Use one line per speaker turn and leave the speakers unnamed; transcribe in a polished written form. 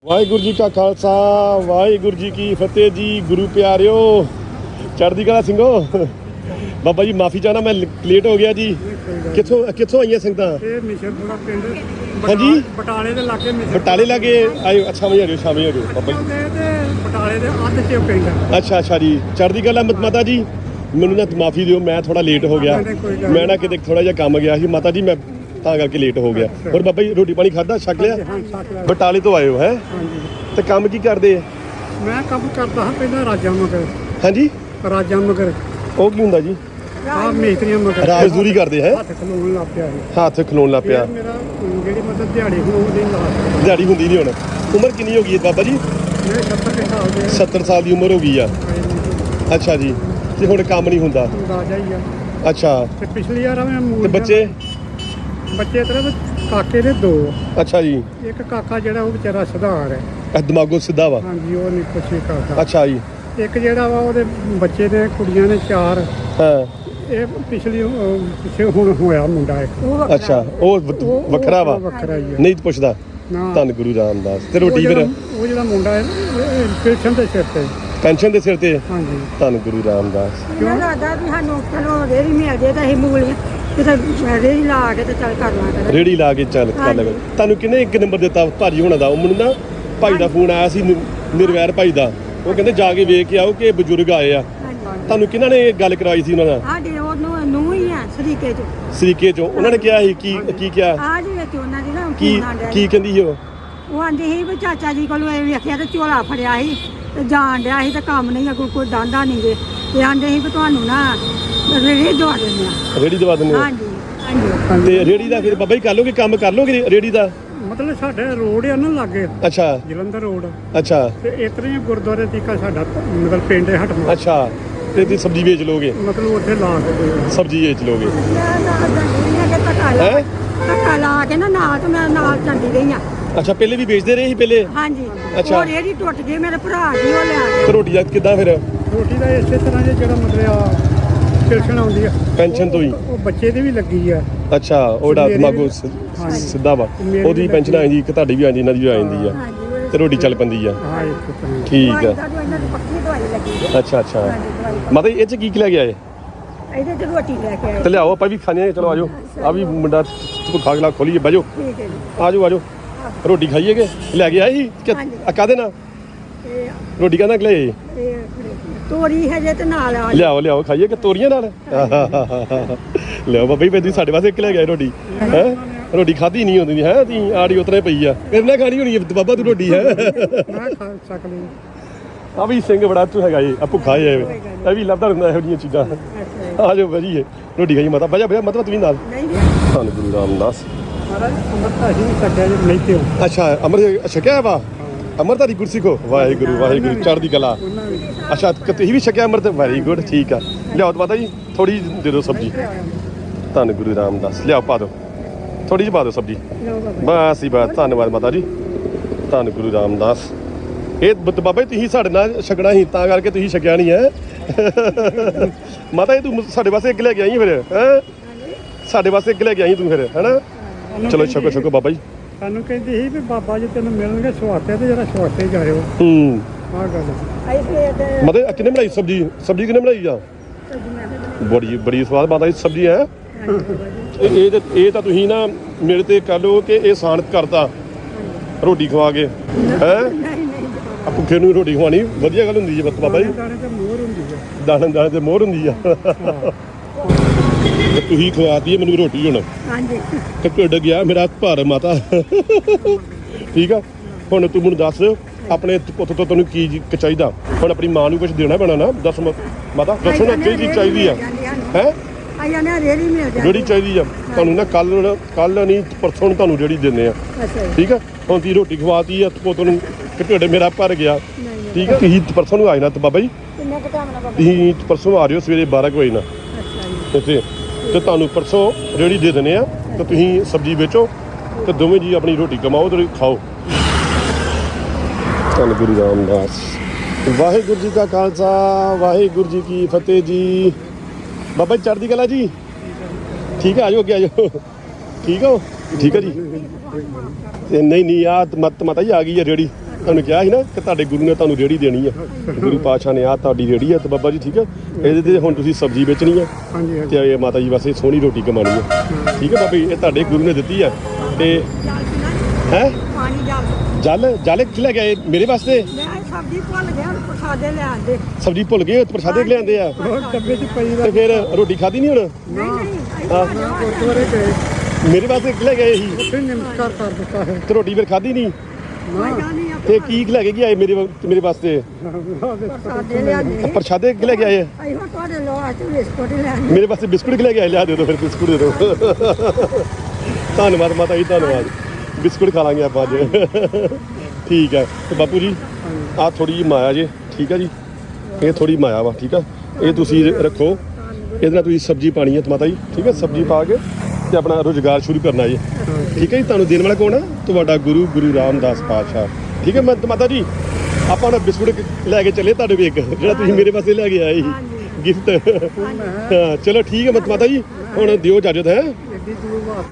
ਵਾਹਿਗੁਰੂ ਜੀ ਕਾ ਖਾਲਸਾ ਵਾਹਿਗੁਰੂ ਜੀ ਕੀ ਫਤਿਹ ਜੀ। ਗੁਰੂ ਪਿਆਰਿਓ, ਚੜ੍ਹਦੀ ਕਲਾ ਸਿੰਘੋ। ਬਾਬਾ ਜੀ ਮਾਫੀ ਚਾਹਣਾ, ਮੈਂ ਲੇਟ ਹੋ ਗਿਆ ਜੀ। ਕਿੱਥੋਂ ਆਈਆਂ ਸੰਗਤਾਂ?
ਇਹ ਮਿਸ਼ਰਪੁਰਾ ਪਿੰਡ
ਹਾਂਜੀ,
ਬਟਾਲੇ ਦੇ ਲਾਗੇ
ਬਟਾਲੇ ਲਾਗੇ ਆਇਓ। ਅੱਛਾ, ਸ਼ਾਮੀ ਆ ਜਾਓ ਬਾਬਾ ਜੀ।
ਤੇ ਬਟਾਲੇ ਦੇ ਅੱਧ ਚ ਪਿੰਡ।
ਅੱਛਾ ਜੀ, ਚੜ੍ਹਦੀ ਕਲਾ ਮਾਤਾ ਜੀ। ਮੈਨੂੰ ਨਾ ਮਾਫੀ ਦਿਓ, ਮੈਂ ਥੋੜਾ ਲੇਟ ਹੋ ਗਿਆ। ਮੈਂ ਨਾ ਕਿਤੇ ਥੋੜਾ ਜਿਹਾ ਕੰਮ ਗਿਆ ਸੀ ਮਾਤਾ ਜੀ, ਮੈਂ ਤਾਂ ਕਰਕੇ ਲੇਟ ਹੋ ਗਿਆ। ਹੋਰ ਬਾਬਾ ਜੀ ਰੋਟੀ ਪਾਣੀ ਖਾਧਾ, ਛਕ ਲਿਆ? ਬਟਾਲੇ ਤੋਂ ਆਇਓ ਹੈ? ਤੇ ਕੰਮ ਕੀ ਕਰਦੇ ਆ?
ਮੈਂ ਕੰਮ ਕਰਦਾ ਹਾਂ ਪਹਿਲਾਂ ਰਾਜਾ ਮਗਰ।
ਹਾਂਜੀ,
ਰਾਜਾ ਮਗਰ
ਉਹ ਕੀ ਹੁੰਦਾ ਜੀ?
ਆਹ ਮੇਤਰੀਆਂ ਮਗਰ
ਮਜ਼ਦੂਰੀ ਕਰਦੇ ਹੈ?
ਹੱਥ ਖਲੋਣ ਲੱਗ ਪਿਆ
ਹੱਥ ਖਲੋਣ ਲੱਗ ਪਿਆ।
ਮੇਰਾ ਜਿਹੜੀ ਮਤਲਬ ਦਿਹਾੜੀ ਹੋਣੀ ਲਾਸਟ
ਦਿਹਾੜੀ ਹੁੰਦੀ ਨਹੀਂ ਹੁਣ। ਉਮਰ ਕਿੰਨੀ ਹੋ ਗਈ ਹੈ ਬਾਬਾ ਜੀ?
ਮੇਰੇ 70 ਸਾਲ ਦੇ
70 ਸਾਲ ਦੀ ਉਮਰ ਹੋ ਗਈ ਆ। ਅੱਛਾ ਜੀ, ਤੇ ਹੁਣ ਕੰਮ ਨਹੀਂ ਹੁੰਦਾ?
ਰਾਜਾ ਹੀ ਆ।
ਅੱਛਾ,
ਤੇ ਪਿਛਲੀ ਵਾਰ ਮੈਂ
ਤੇ ਬੱਚੇ
ਤੇਰੇ ਕਾਕੇ ਦੇ 2।
ਅੱਛਾ ਜੀ,
ਇੱਕ ਕਾਕਾ ਜਿਹੜਾ ਉਹ ਵਿਚਾਰਾ ਸੁਧਾਰ ਹੈ।
ਇਹ ਦਿਮਾਗੋ ਸਿੱਧਾ ਵਾ?
ਹਾਂਜੀ, ਉਹ ਨਹੀਂ ਕੁਛ ਵੀ ਕਰਦਾ।
ਅੱਛਾ ਜੀ।
ਇੱਕ ਜਿਹੜਾ ਵਾ ਉਹਦੇ ਬੱਚੇ ਨੇ, ਕੁੜੀਆਂ ਨੇ 4।
ਹਾਂ,
ਇਹ ਪਿੱਛੇ ਹੁਣ ਹੋਇਆ ਮੁੰਡਾ ਇੱਕ।
ਅੱਛਾ, ਉਹ ਵੱਖਰਾ ਵਾ?
ਵੱਖਰਾ ਹੀ ਹੈ।
ਨਹੀਂ ਪੁੱਛਦਾ?
ਨਾ,
ਧੰਨ ਗੁਰੂ ਰਾਮਦਾਸ। ਤੇ ਰੋਟੀ ਫਿਰ?
ਉਹ ਜਿਹੜਾ ਮੁੰਡਾ ਹੈ ਪੈਨਸ਼ਨ ਦੇ ਸਿਰ ਤੇ।
ਪੈਨਸ਼ਨ ਦੇ ਸਿਰ ਤੇ?
ਹਾਂਜੀ,
ਧੰਨ ਗੁਰੂ ਰਾਮਦਾਸ।
ਮੈਨੂੰ ਲੱਗਦਾ ਵੀ ਸਾਨੂੰ ਚਲੋ ਰੇਹੜੀ ਮਿਲ ਜੇ ਤਾਂ ਅਸੀਂ ਮੂਲੀਆਂ ਕਿਤੇ ਰੇਹੜੀ ਲਾ ਕੇ ਤੇ ਚੱਲ ਕਰ ਲਾਂ ਕਰਾਂਗੇ।
ਰੇੜੀ ਲਾ ਕੇ ਚੱਲ ਕਰ ਲੈ। ਤੁਹਾਨੂੰ ਕਿਹਨੇ ਇੱਕ ਨੰਬਰ ਦਿੱਤਾ ਭਾਜੀ ਹੋਣਾ ਦਾ? ਉਹ ਮੈਨੂੰ ਨਾ ਭਾਈ ਦਾ ਫੋਨ ਆਇਆ ਸੀ, ਨਿਰਵੈਰ ਭਾਈ ਦਾ। ਉਹ ਕਹਿੰਦੇ ਜਾ ਕੇ ਵੇਖ ਕੇ ਆਓ ਕਿ ਬਜ਼ੁਰਗ ਆਏ ਆ। ਤੁਹਾਨੂੰ ਕਿਹਨਾਂ ਨੇ ਗੱਲ ਕਰਵਾਈ ਸੀ ਉਹਨਾਂ ਨਾਲ?
ਸਾਡੇ ਉਹਨੂੰ ਨੂੰ ਹੀ ਆ ਸਰੀਕੇ ਚ।
ਸਰੀਕੇ ਚੋਂ ਉਹਨਾਂ ਨੇ ਕਿਹਾ ਸੀ ਕੀ ਕਿਹਾ?
ਆ ਜੀ ਵਿੱਚ ਉਹਨਾਂ ਦੀ ਨਾ
ਕੀ ਕਹਿੰਦੀ ਸੀ ਉਹ?
ਉਹ ਆਂਦੀ ਸੀ ਵੀ ਚਾਚਾ ਜੀ ਕੋਲੋਂ ਇਹ ਵੇਖਿਆ ਤੇ ਝੋਲਾ ਫੜਿਆ ਸੀ ਤੇ ਜਾਣ ਡਿਆ ਸੀ ਤੇ ਕੰਮ ਨਹੀਂ ਅੱਗੋਂ ਕੋਈ ਡਾਂਡਾ ਨਹੀਂ ਜੇ। ਤੇ ਆਂਦੇ ਸੀ ਵੀ ਤੁਹਾਨੂੰ ਨਾ ਰੇਹੜੀ ਦਵਾ ਦਿੰਦੇ ਆ।
ਰੇੜੀ ਦਵਾ ਦਿੰਦੇ?
ਹਾਂਜੀ ਹਾਂਜੀ।
ਤੇ ਰੇੜੀ ਦਾ ਫਿਰ ਬਾਬਾ ਜੀ ਕਰ ਲੋਗੇ, ਕੰਮ ਕਰ ਲੋਗੇ ਰੇੜੀ ਦਾ?
ਮਤਲਬ ਸਾਡੇ ਰੋਡ ਆ ਨਾ ਲਾਗੇ।
ਅੱਛਾ,
ਜਲੰਧਰ ਰੋਡ।
ਅੱਛਾ,
ਤੇ ਇਤਨੇ ਹੀ ਗੁਰਦੁਆਰੇ ਤੀਕਾ ਸਾਡਾ ਮਤਲਬ ਪਿੰਡ ਹੈ ਹਟਵਾ।
ਅੱਛਾ। ਤੇ ਤੁਸੀਂ ਸਬਜ਼ੀ ਵੇਚ ਲੋਗੇ?
ਮਤਲਬ ਉੱਥੇ ਲਾ ਕੇ
ਸਬਜ਼ੀ ਵੇਚ ਲੋਗੇ?
ਮੈਂ ਨਾਲ ਜਾਂਦੀ ਰਹੀ ਆ ਕਿ ਧੱਕਾ ਲਾ ਕੇ ਨਾ ਨਾਲ ਤੇ ਮੈਂ ਨਾਲ ਜਾਂਦੀ ਰਹੀ ਆ।
ਅੱਛਾ, ਪਹਿਲੇ ਵੀ ਵੇਚਦੇ ਰਹੇ ਸੀ ਪਹਿਲੇ?
ਹਾਂਜੀ।
ਅੱਛਾ।
ਉਹ ਰੇਹੜੀ ਟੁੱਟ ਗਈ, ਮੇਰੇ ਭਰਾ ਜੀ ਉਹ ਲਿਆ
ਤੇ ਰੋਟੀ ਦਾ ਕਿੱਦਾਂ ਫਿਰ?
ਰੋਟੀ ਦਾ ਇਸੇ ਤਰ੍ਹਾਂ ਜਿਹੜਾ ਮਤਲਬ ਆ ਪੈਨਸ਼ਨ ਆਉਂਦੀ ਆ
ਪੈਨਸ਼ਨ ਤੋਂ ਹੀ?
ਉਹ ਬੱਚੇ ਦੀ ਵੀ ਲੱਗੀ ਆ।
ਅੱਛਾ, ਉਹਦਾ ਦਿਮਾਗੋ ਸਿੱਧਾ ਵਾ, ਉਹਦੀ ਪੈਨਸ਼ਨ ਆ ਜਾਂਦੀ, ਇੱਕ ਤੁਹਾਡੀ ਵੀ ਆ ਜਾਂਦੀ, ਇਹਨਾਂ ਦੀ ਵੀ ਆ ਜਾਂਦੀ ਆ, ਤੇ ਰੋਟੀ ਚੱਲ ਪੈਂਦੀ ਆ।
ਹਾਂ, ਇੱਕ ਤਰ੍ਹਾਂ
ਠੀਕ ਆ।
ਇਹਨਾਂ ਦੀ ਪੱਕੀ ਦਵਾਈ ਲੱਗੀ।
ਅੱਛਾ, ਮਤਲਬ ਇਹ ਚ ਕੀ ਲੈ ਕੇ ਆਏ?
ਇਹਦੇ ਚ ਰੋਟੀ ਲੈ ਕੇ ਆਏ।
ਤੇ ਲਿਆਓ, ਆਪਾਂ ਵੀ ਖਾਣੇ ਆ। ਚਲੋ ਆਜੋ, ਆ ਵੀ ਮੁੰਡਾ ਖਾ ਕੇ ਲਾ ਖੋਲੀਏ, ਬਹਿ
ਠੀਕ ਹੈ ਜੀ।
ਆਜੋ ਰੋਟੀ ਖਾਈਏਗੇ। ਲੈ ਕੇ ਆਏ ਸੀ ਕਾਹਦੇ ਨਾਲ? ਰੋਟੀ ਕਾਹਦੇ ਨਾਲ ਲੈ?
ਤੋਰੀ ਹਜੇ ਤੇ ਨਾਲ ਆ।
ਲਿਆਓ ਖਾਈਏ ਕਿ ਤੋਰੀਆਂ ਨਾਲ? ਲਿਆਓ ਬਾਬਾ ਜੀ, ਤੁਸੀਂ ਸਾਡੇ ਵਾਸਤੇ ਇੱਕ ਲੈ ਗਏ ਰੋਟੀ ਹੈ? ਰੋਟੀ ਖਾਧੀ ਨਹੀਂ ਹੁੰਦੀ ਹੈ, ਤੀ ਆੜੀ ਉਤਰੇ ਪਈ ਆ। ਕਿੰਨਾ ਖਾਣੀ ਹੋਣੀ ਹੈ ਬਾਬਾ ਤੂੰ ਰੋਟੀ ਹੈ?
ਮੈਂ ਖਾ ਸਕਦੀ।
ਆ ਵੀ ਸਿੰਘ ਬੜਾ ਤੂੰ ਹੈਗਾ ਇਹ, ਆ ਭੁੱਖਾ ਹੈ ਇਹ ਵੀ ਲੱਭਦਾ ਰਹਿੰਦਾ ਇਹੋ ਜਿਹੀਆਂ ਚੀਜ਼ਾਂ। ਆ ਜਾਓ ਵਧੀਆ ਰੋਟੀ ਖਾਈ ਮਾਤਾ। ਬਜਾ ਮਤਲਬ ਤੂੰ ਨਾਲ ਧੰਨ ਗੁਰੂ ਰਾਮਦਾਸ।
ਮਹਾਰਾਜ ਅੰਮ੍ਰਿਤ ਅਸੀਂ ਵੀ ਛਕਿਆ ਜੀ, ਨਹੀਂ ਤੇ
ਅੱਛਾ, ਅੰਮ੍ਰਿਤ ਛਕਿਆ ਵਾ? ਅੰਮ੍ਰਿਤ ਦੀ ਗੁਰਸਿੱਖ ਹੋ? ਵਾਹਿਗੁਰੂ ਚੜ੍ਹਦੀ ਕਲਾ। ਅੱਛਾ, ਤੁਸੀਂ ਵੀ ਛਕਿਆ ਅੰਮ੍ਰਿਤ? ਵੈਰੀ ਗੁੱਡ, ਠੀਕ ਆ। ਲਿਆਓ ਮਾਤਾ ਜੀ, ਥੋੜੀ ਦੇ ਦਿਓ ਸਬਜ਼ੀ। ਧੰਨ ਗੁਰੂ ਰਾਮਦਾਸ। ਲਿਆਓ ਪਾ ਦਿਓ, ਥੋੜੀ ਜਿਹੀ ਪਾ ਦਿਓ ਸਬਜ਼ੀ, ਬਸ ਹੀ ਬਸ। ਧੰਨਵਾਦ ਮਾਤਾ ਜੀ, ਧੰਨ ਗੁਰੂ ਰਾਮਦਾਸ। ਇਹ ਬਾਬਾ ਜੀ ਤੁਸੀਂ ਸਾਡੇ ਨਾਲ ਛਕਣਾ ਸੀ, ਤਾਂ ਕਰਕੇ ਤੁਸੀਂ ਛਕਿਆ ਨਹੀਂ ਹੈ। ਮਾਤਾ ਜੀ ਤੂੰ ਸਾਡੇ ਵਾਸਤੇ ਇੱਕ ਲੈ ਕੇ ਆਈ ਫਿਰ ਹੈ? ਸਾਡੇ ਵਾਸਤੇ ਇੱਕ ਲੈ ਕੇ ਆਈ ਤੂੰ ਫਿਰ, ਹੈ ਨਾ? ਚਲੋ ਛਕੋ ਬਾਬਾ ਜੀ।
ਸਾਨੂੰ ਕਹਿੰਦੀ ਸੀ ਵੀ ਬਾਬਾ ਜੀ ਤੈਨੂੰ ਮਿਲਣਗੇ ਸਵਾਤੇ ਤੇ ਜਰਾ ਸਵਾਤੇ ਜਾਇਓ। ਆਹ ਗੱਲ
ਮਤਲਬ ਕਿਹਨੇ ਬਣਾਈ ਸਬਜ਼ੀ ਕਿਹਨੇ ਬਣਾਈ ਆ? ਬੜੀ ਸਵਾਦ ਮਾਤਾ ਜੀ ਸਬਜ਼ੀ ਹੈ। ਇਹ ਤਾਂ ਤੁਸੀਂ ਨਾ ਮੇਰੇ ਤੇ ਕਰ ਲਓ ਕਿ ਇਹ ਸਾਨਤ ਕਰਤਾ ਰੋਟੀ ਖਵਾ ਕੇ ਹੈ। ਭੁੱਖੇ ਨੂੰ ਰੋਟੀ ਖਵਾਣੀ ਵਧੀਆ ਗੱਲ ਹੁੰਦੀ ਹੈ ਬਾਬਾ ਜੀ।
ਦਾਣੇ ਤੇ ਮੋਹਰ ਹੁੰਦੀ ਹੈ।
ਦਾਣੇ ਤੇ ਮੋਹਰ ਹੁੰਦੀ ਆ। ਤੁਸੀਂ ਖਵਾਤੀ ਮੈਨੂੰ ਰੋਟੀ ਹੁਣ।
ਹਾਂਜੀ।
ਤੇ ਢਿੱਡ ਗਿਆ ਮੇਰਾ ਭਾਰ ਮਾਤਾ। ਠੀਕ ਆ, ਹੁਣ ਤੂੰ ਮੈਨੂੰ ਦੱਸ ਆਪਣੇ ਪੁੱਤ ਤੋਂ ਤੈਨੂੰ ਕੀ ਚਾਹੀਦਾ? ਹੁਣ ਆਪਣੀ ਮਾਂ ਨੂੰ ਕੁਝ ਦੇਣਾ ਪੈਣਾ ਨਾ। ਦੱਸ ਮਾਤਾ, ਦੱਸੋ ਨਾ ਕੀ ਚੀਜ਼ ਚਾਹੀਦੀ ਆ? ਹੈ
ਆਇਆ ਨਾ ਰੇਹੜੀ ਮਿਲ ਜਾਂਦੀ।
ਜਿਹੜੀ ਚਾਹੀਦੀ ਆ ਤੁਹਾਨੂੰ ਨਾ ਕੱਲ ਨਹੀਂ ਪਰਸੋਂ ਨੂੰ ਤੁਹਾਨੂੰ ਜਿਹੜੀ ਦਿੰਦੇ ਆ। ਠੀਕ ਆ, ਹੁਣ ਤੀ ਰੋਟੀ ਖਵਾਤੀ ਆ ਪੁੱਤ ਨੂੰ, ਢਿੱਡ ਮੇਰਾ ਭਰ ਗਿਆ। ਠੀਕ ਆ, ਤੁਸੀਂ ਪਰਸੋਂ ਨੂੰ ਆ ਜਾਣਾ ਬਾਬਾ ਜੀ।
ਕਿੰਨਾ ਕੁ ਟਾਈਮ ਨਾਲ ਬਾਬਾ?
ਤੁਸੀਂ ਪਰਸੋਂ ਆ ਰਹੇ ਹੋ ਸਵੇਰੇ 12 ਵਜੇ ਨਾਲ ਇੱਥੇ, ਤੇ ਤੁਹਾਨੂੰ ਪਰਸੋਂ ਰੇਹੜੀ ਦੇ ਦਿੰਦੇ ਆ। ਤੇ ਤੁਸੀਂ ਸਬਜ਼ੀ ਵੇਚੋ ਤੇ ਦੋਵੇਂ ਜੀ ਆਪਣੀ ਰੋਟੀ ਕਮਾਓ ਤੇ ਖਾਓ। ਧੰਨ ਗੁਰੂ ਰਾਮਦਾਸ। ਵਾਹਿਗੁਰੂ ਜੀ ਕਾ ਖਾਲਸਾ ਵਾਹਿਗੁਰੂ ਜੀ ਕੀ ਫਤਿਹ ਜੀ। ਬਾਬਾ ਜੀ ਚੜ੍ਹਦੀ ਕਲਾ ਜੀ। ਠੀਕ ਆ, ਆਜੋ ਅੱਗੇ ਆਜੋ। ਠੀਕ ਹੋ? ਠੀਕ ਹੈ ਜੀ। ਨਹੀਂ ਆ ਮਾਤਾ ਜੀ ਆ ਗਈ ਹੈ ਰੇਹੜੀ। ਤੁਹਾਨੂੰ ਕਿਹਾ ਸੀ ਨਾ ਕਿ ਤੁਹਾਡੇ ਗੁਰੂ ਨੇ ਤੁਹਾਨੂੰ ਰੇੜੀ ਦੇਣੀ ਆ ਗੁਰੂ ਪਾਤਸ਼ਾਹ ਨੇ ਆ ਤੁਹਾਡੀ ਰੇੜੀ ਆ ਤੇ ਬਾਬਾ ਜੀ ਠੀਕ ਆ ਇਹਦੇ ਤੇ ਹੁਣ ਤੁਸੀਂ ਸਬਜ਼ੀ ਵੇਚਣੀ ਆ
ਹਾਂਜੀ ਹਾਂਜੀ
ਤੇ ਇਹ ਮਾਤਾ ਜੀ ਵਾਸਤੇ ਸੋਹਣੀ ਰੋਟੀ ਕਮਾਣੀ ਆ ਠੀਕ ਆ ਬਾਬਾ ਜੀ ਇਹ ਤੁਹਾਡੇ ਗੁਰੂ ਨੇ ਦਿੱਤੀ ਆ ਤੇ ਹੈ
ਪਾਣੀ ਜਾ
ਜਲ ਕਿੱਥੇ ਲੈ ਗਏ ਮੇਰੇ ਵਾਸਤੇ
ਮੈਂ ਸਬਜ਼ੀ ਭੁੱਲ ਗਿਆ ਹੁਣ ਪ੍ਰਸਾਦੇ ਲੈ ਆਂਦੇ
ਸਬਜ਼ੀ ਭੁੱਲ ਗਏ ਪ੍ਰਸ਼ਾਦੇ ਲਿਆਂਦੇ ਆ
ਉਹ ਡੱਬੇ 'ਚ ਪਈ
ਤੇ ਫਿਰ ਰੋਟੀ ਖਾਧੀ ਨਹੀਂ ਹੁਣ
ਨਹੀਂ
ਹਾਂ।
ਗੁਰਦੁਆਰੇ ਗਏ
ਮੇਰੇ ਵਾਸਤੇ ਲੈ ਗਏ ਸੀ
ਉੱਥੇ ਨਮਸਕਾਰ ਕਰ ਦਿੱਤਾ ਹੈ
ਤੇ ਰੋਟੀ ਫਿਰ ਖਾਧੀ ਨਹੀਂ
ਨਹੀਂ
ਤੇ ਕੀ ਲੈ ਕੇ ਆਏ ਮੇਰੇ ਵਾਸਤੇ
ਪ੍ਰਸਾਦੇ ਲਿਆਂਦੇ
ਪ੍ਰਸ਼ਾਦੇ ਲੈ ਕੇ ਆਏ
ਅਸੀਂ ਹੁਣ ਤੁਹਾਡੇ ਲੋਹਾ ਚ ਬਿਸਕੁਟ ਹੀ ਲੈਣੇ
ਮੇਰੇ ਵਾਸਤੇ ਬਿਸਕੁਟ ਲੈ ਕੇ ਆਏ ਲਿਆ ਦੇ ਦਿਓ ਫਿਰ ਬਿਸਕੁਟ ਦੇ ਦਿਓ ਧੰਨਵਾਦ ਮਾਤਾ ਜੀ ਧੰਨਵਾਦ ਬਿਸਕੁਟ ਖਾ ਲਾਂਗੇ ਆਪਾਂ ਅੱਜ ਠੀਕ ਹੈ ਤੇ ਬਾਪੂ ਜੀ ਆਹ ਥੋੜੀ ਜਿਹੀ ਮਾਇਆ ਜੇ ਠੀਕ ਹੈ ਜੀ ਇਹ ਥੋੜੀ ਮਾਇਆ ਵਾ ਠੀਕ ਆ ਇਹ ਤੁਸੀਂ ਰੱਖੋ ਇਹਦੇ ਨਾਲ ਤੁਸੀਂ ਸਬਜ਼ੀ ਪਾਣੀ ਹੈ ਮਾਤਾ ਜੀ ਠੀਕ ਹੈ ਸਬਜ਼ੀ ਪਾ ਕੇ ਤੇ ਆਪਣਾ ਰੁਜ਼ਗਾਰ ਸ਼ੁਰੂ ਕਰਨਾ ਜੀ ਠੀਕ ਹੈ ਜੀ ਤੁਹਾਨੂੰ ਦੇਣ ਵਾਲਾ ਕੌਣ ਆ ਤੁਹਾਡਾ ਗੁਰੂ ਰਾਮਦਾਸ ਪਾਤਸ਼ਾਹ ਠੀਕ ਹੈ ਮਾਤਾ ਜੀ ਆਪਾਂ ਨਾ ਬਿਸਕੁਟ ਲੈ ਕੇ ਚੱਲੇ ਤੁਹਾਡੇ ਕੋਲ ਇੱਕ ਜਿਹੜਾ ਤੁਸੀਂ ਮੇਰੇ ਪਾਸੇ ਲੈ ਕੇ ਆਏ ਸੀ ਗਿਫਟ ਹਾਂ ਚਲੋ ਠੀਕ ਹੈ ਮਾਤਾ ਜੀ ਹੁਣ ਦਿਓ ਇਜਾਜ਼ਤ ਹੈ
ਐਡੀ ਦੂਰ ਵਾਸਤੇ